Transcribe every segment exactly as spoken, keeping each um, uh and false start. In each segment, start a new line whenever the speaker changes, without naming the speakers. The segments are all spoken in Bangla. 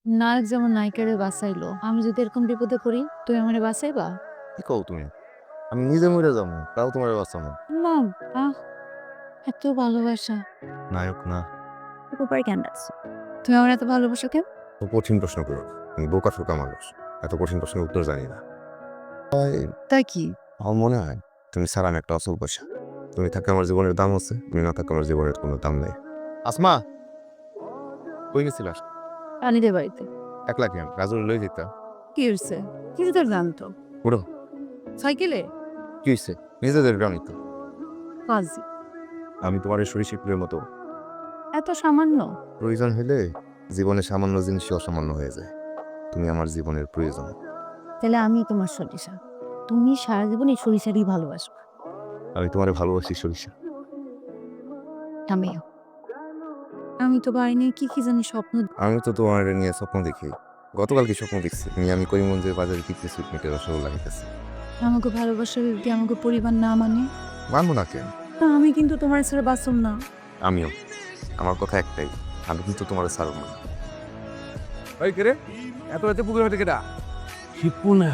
নায়ক যেমন নায়িকারে বাঁচাইলো, আমি যদি এরকম বিপদে পড়ি, তুমি আমারে বাঁচাইবা?
কি কও তুমি? আমি নিজে মইরা যামু, তাও তোমারে বাঁচামু।
না, আহ এত ভালোবাসা।
নায়ক না।
উপরে কেন ডাকছো? তুমি আমার এত ভালোবাসো কেন?
তো কঠিন প্রশ্ন করো। আমি বোকা-শোকা মানুষ। এত কঠিন প্রশ্নের উত্তর জানি না।
তা কি?
আমার মনে হয় তুমি ছাড়া আমি একটা অচল পয়সা। তুমি থাকলে আমার জীবনের দাম আছে, তুমি না থাকলে আমার জীবনের কোনো দাম নেই। আসমা, কই গেছিলাস?
রানীদের বাড়িতে।
একলা কেন? রাজুরে লই যেতা।
কি হয়েছে? কিছু তোর জানতো
উঠো।
সাইকেলে
কি হইছে? নিজেদের গ্রামই তো।
কাজী
আমি তোমার এই সরীসৃপের মতো।
এত সামান্য?
প্রয়োজন হইলে জীবনে সামান্য জিনিসই অসামান্য হয়ে যায়। তুমি আমার জীবনের প্রয়োজন।
তাহলে আমি তোমার সরিষা। তুমি সারা জীবন এই সরিষারই ভালোবাসবা।
আমি তোমারে ভালোবাসি সরিষা।
আমিও। আমি তো বাড়ি নিয়ে কি কি জানি স্বপ্ন।
আমি তো তোমার নিয়ে স্বপ্ন দেখি। গতকাল কি স্বপ্ন দেখছি? তুমি আমি করিমগঞ্জের বাজারে কিনতে সুইটমিটের রসগোল্লা খাইতেছি।
আমাকে ভালোবাসার যদি আমাকে পরিবার না মানে,
মানবো না কেন?
তা আমি কিন্তু তোমার ছেড়ে বাঁচব না।
আমিও। আমার কথা একটাই, আমি কিন্তু তোমার ছাড়ব না।
ওই কে রে? এত রাতে পুকুর হাতে কেটা? শিপু না।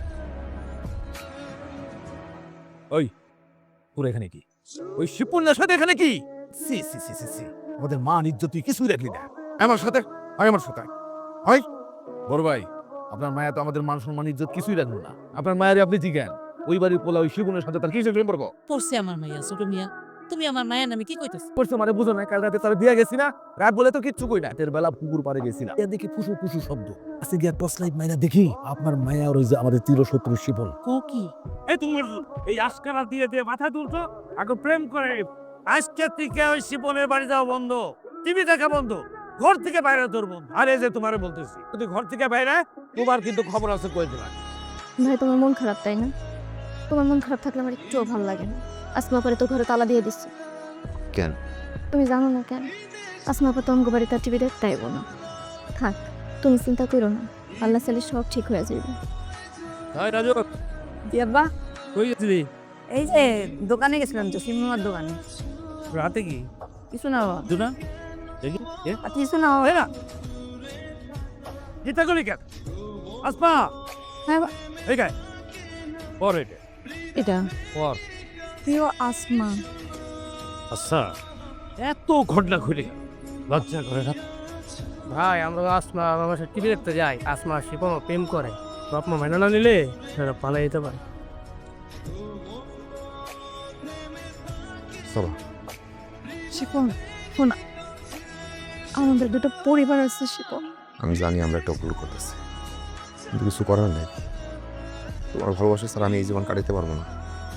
ওই তোর এখানে কি? ওই শিপুর সাথে এখানে কি? সি সি সি সি সি আমাদের মান ইজ্জত তুই কিছুই রাখলি না। আমার সাথে আয়, আমার সাথে হয়। বড় ভাই, আপনার মায়া তো আমাদের মান সম্মান ইজ্জত কিছুই রাখলো না। আপনার মায়ের আপনি জিজ্ঞান ওই বাড়ির পোলা ওই শিপুনের সাথে তার কিসের প্রেম করবো?
পড়ছে আমার মাইয়া ছোট মিয়া। তুমি আমার মায়ের নামে কি কইতেছ?
করছে মানে বুঝো না, কাল রাতে তার বিয়া গেছি না, রাত বলে তো কিচ্ছু কই না। রাতের বেলা পুকুর পাড়ে গেছি না, দেখি ফুসু ফুসু শব্দ। আজকে গিয়া টর্চ লাইট মাইনা দেখি আপনার মায়া আর ওই যে আমাদের চির শত্রু শিপন।
কো কি?
এই তোমার এই আজকারা দিয়ে দিয়ে মাথা তুলছো, আগে প্রেম করে। আজকে থেকে ওই শিপনের বাড়ি যাওয়া বন্ধ, টিভি দেখা বন্ধ, ঘর থেকে বাইরে তোর বন্ধ। আর এই যে তোমারে বলতেছি, যদি ঘর থেকে বাইরে, তোমার কিন্তু খবর আছে কই দিলাম।
ভাই তোমার মন খারাপ তাই না? তোমার মন খারাপ থাকলে আমার একটুও ভালো লাগে না। আসমা পরে তো ঘরে তালা দিয়ে দিচ্ছে।
কেন?
তুমি জানো না কেন? আসমা পা তো অঙ্গ বাড়ি তার টিভি দেখতে আইব না। থাক, তুমি চিন্তা করো না, আল্লাহ চাইলে সব ঠিক হয়ে যাবে।
হাই রাজু,
দিয়াব্বা,
কই গেছিলি?
এই যে দোকানে গেছিলাম তো সিনেমার দোকানে।
রাতে কি
কিছু না বাবা,
দুনা দেখি এ
আর কিছু না বাবা।
না চিন্তা করি কেন? আসমা
হ্যাঁ বা-
এই গায় পর এটা
এটা
পর।
প্রিয় আসমা।
আচ্ছা, এত ঘটনা ঘুরে লজ্জা করে না?
ভাই আমরা আসমা আমার সাথে টিভি দেখতে যাই, আসমা শিপন প্রেম করে, বাপ মা মেনে না নিলে সেটা পালাই যেতে পারে।
চলো।
শিপন, শোন, আমাদের দুটো পরিবার আছে শিপন।
আমি জানি আমরা একটা ভুল করতেছি, কিন্তু কিছু করার নেই। তোমার ভালোবাসা ছাড়া আমি এই জীবন কাটাতে পারবো না।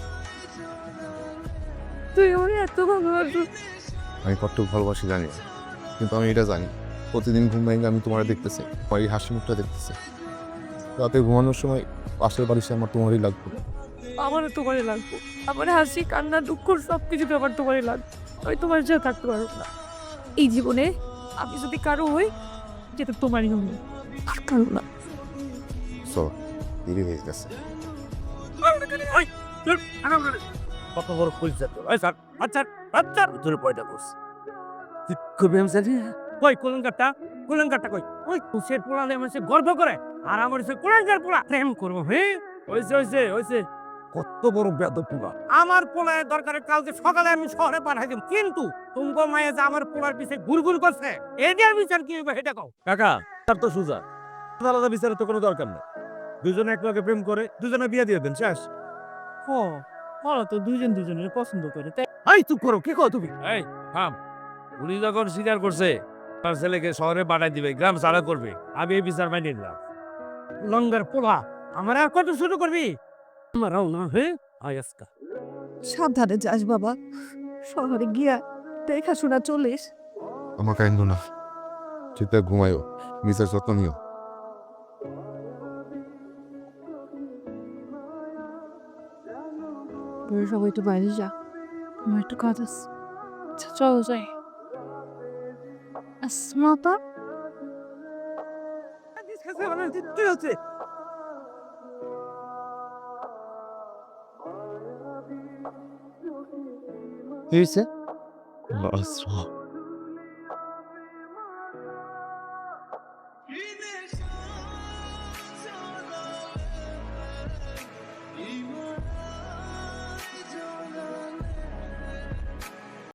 তুই আমাকে এত ভালোবাসো।
আমি কতটুকু ভালোবাসি জানি না, কিন্তু আমি এটা জানি প্রতিদিন ঘুম ভেঙে আমি তোমার দেখতেছি, তোমার এই হাসি মুখটা দেখতেছি। রাতে ঘুমানোর সময় পাশের বাড়ি সে আমার তোমারই লাগবে।
আমারও তোমারই লাগবো। আমার হাসি কান্না দুঃখ সব কিছু আমার তোমারই লাগবে। আমি তোমার সাথে থাকতে পারবো না এই জীবনে। আমি যদি কারো হই, যেটা তোমারই হবে, আর কারো না।
চলো, দেরি হয়ে গেছে।
ওই চল আগাম করে কত বড় কইছা তো। ওই স্যার আচ্ছা আচ্ছা তোর পয়দা বস তুই করবি আমি জানি না। কই কোলঙ্কারটা কোলঙ্কারটা কই? ওই কুশের পোলালে মানুষে গর্ব করে, আর আমার সে কোলঙ্কার পোলা প্রেম করবো। হ্যাঁ হইছে হইছে হইছে।
কত বড় বেদব পুরা।
আমার পোলায় দরকারে কালকে সকালে আমি শহরে পাঠাই দিব, কিন্তু তুমগো মায়ে যে আমার পোলার পিছে ঘুরঘুর করছে, এটার বিচার কি হবে সেটা কও।
কাকা তার তো সুজা, আলাদা আলাদা বিচারের তো কোনো দরকার নেই। দুজনে একলাগে প্রেম করে দুজনে বিয়ে দিয়ে দেন, শেষ।
ও ওরা তো দুজন দুজনের পছন্দ করে, তাই
এই চুপ করো, কি কও তুমি?
এই থাম। উনি যখন স্বীকার করছে তার ছেলেকে শহরে পাঠাই দিবে, গ্রাম ছাড়া করবে, আমি এই বিচার মাইনে নিলাম। লঙ্গার পোলা আমার আর কত শুরু করবি? আমারও না। হ্যাঁ আয় আজকা
সাবধানে যাস বাবা, শহরে গিয়া দেখাশোনা চলিস।
আমার কাহিনী না, ঠিকঠাক ঘুমাইও, নিজের যত্ন নিও।
তোর সবাই একটু বাইরে যা, আমার একটু কাজ আছে। আচ্ছা চলো যাই। আসমা,
তুই হচ্ছে
কি হয়েছে?
দিনের